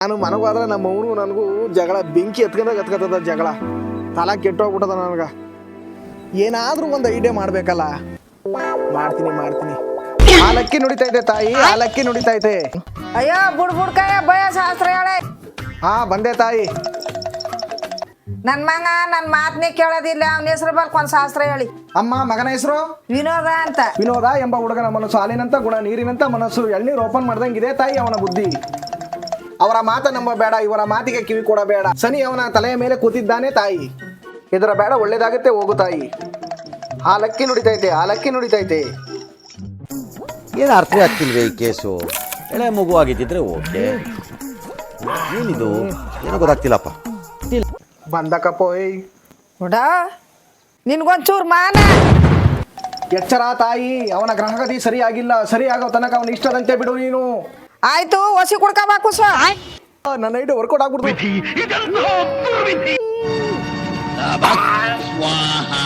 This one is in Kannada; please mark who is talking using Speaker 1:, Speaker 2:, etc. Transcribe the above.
Speaker 1: ನಾನು ಮನಗೋದ್ರೆ ನಮ್ಮ ಅವನು ನನಗೂ ಜಗಳ ಬೆಂಕಿ ಎತ್ಕೊಂಡಾಗ ಜಗಳ ತಲೆ ಕೆಟ್ಟೋಗ್ಬಿಟ್ಟದ ನನಗೆ. ಏನಾದರೂ ಒಂದು ಐಡಿಯಾ ಮಾಡಬೇಕಲ್ಲ. ಮಾಡ್ತೀನಿ. ಹಾಲಕ್ಕಿ ನುಡಿತೈತೆ ತಾಯಿ, ಹಾಲಕ್ಕಿ ನುಡಿತೈತೆ.
Speaker 2: ಅಯ್ಯೋ ಬುಡ್ಕಾಯ ಭಯ ಶಾಸ್ತ್ರ ಹೇಳೆ.
Speaker 1: ಹಾ ಬಂದೆ ತಾಯಿ.
Speaker 2: ನನ್ನ ಮಗ ನನ್ನ ಮಾತನ್ನೇ ಕೇಳೋದಿಲ್ಲ. ಅವನ ಹೆಸರು ಬಲ್ಕ್ ಒಂದು ಶಾಸ್ತ್ರ ಹೇಳಿ.
Speaker 1: ಅಮ್ಮ ಮಗನ ಹೆಸರು
Speaker 2: ವಿನೋದ ಅಂತ.
Speaker 1: ವಿನೋದ ಎಂಬ ಹುಡುಗನ ಮನಸ್ಸು ಹಾಲಿನಂತ ಗುಣ ನೀರಿನಂತ ಮನಸ್ಸು, ಎಳ್ನೀರು ಓಪನ್ ಮಾಡ್ದಂಗಿದೆ ತಾಯಿ ಅವನ ಬುದ್ಧಿ. ಅವರ ಮಾತ ನಂಬಬೇಡ, ಇವರ ಮಾತಿಗೆ ಕಿವಿ ಕೊಡಬೇಡ. ಶನಿ ಅವನ ತಲೆಯ ಮೇಲೆ ಕೂತಿದ್ದಾನೆ ತಾಯಿ. ಇದರ ಬೇಡ ಒಳ್ಳೇದಾಗುತ್ತೆ, ಹೋಗು ತಾಯಿ. ಹಾಲಕ್ಕಿ ನುಡಿತೈತೆ, ಹಾಲಕ್ಕಿ ನುಡಿತೈತೆ.
Speaker 3: ಏನು ಅರ್ಥ ಆಗ್ತಿಲ್ವೇ ಈ ಕೇಸು? ಎಳೆ ಮಗು ಆಗಿದ್ದಿದ್ರೆ ಓಕೆ, ಏನಿದು ಏನೋ ಗೊತ್ತಾಗ್ತಿಲ್ಲಪ್ಪ.
Speaker 1: ಬಂದಕಪ್ಪೋಯ್
Speaker 2: ಹುಡ ನಿನ್ಗೊಂಚೂರು ಮಾನ.
Speaker 1: ಎಚ್ಚರ ತಾಯಿ, ಅವನ ಗ್ರಹಗತಿ ಸರಿಯಾಗಿಲ್ಲ. ಸರಿಯಾಗೋ ತನಕ ಅವನ ಇಷ್ಟದಂತೆ ಬಿಡು ನೀನು.
Speaker 2: ಆಯ್ತು ಒಸಿ ಕುಡ್ಕೋಬೇಕು ಸ್ವ.
Speaker 1: ನನ್ನ ಐಡಿ ವರ್ಕೌಟ್ ಆಗ್ಬಿಡ್ತು.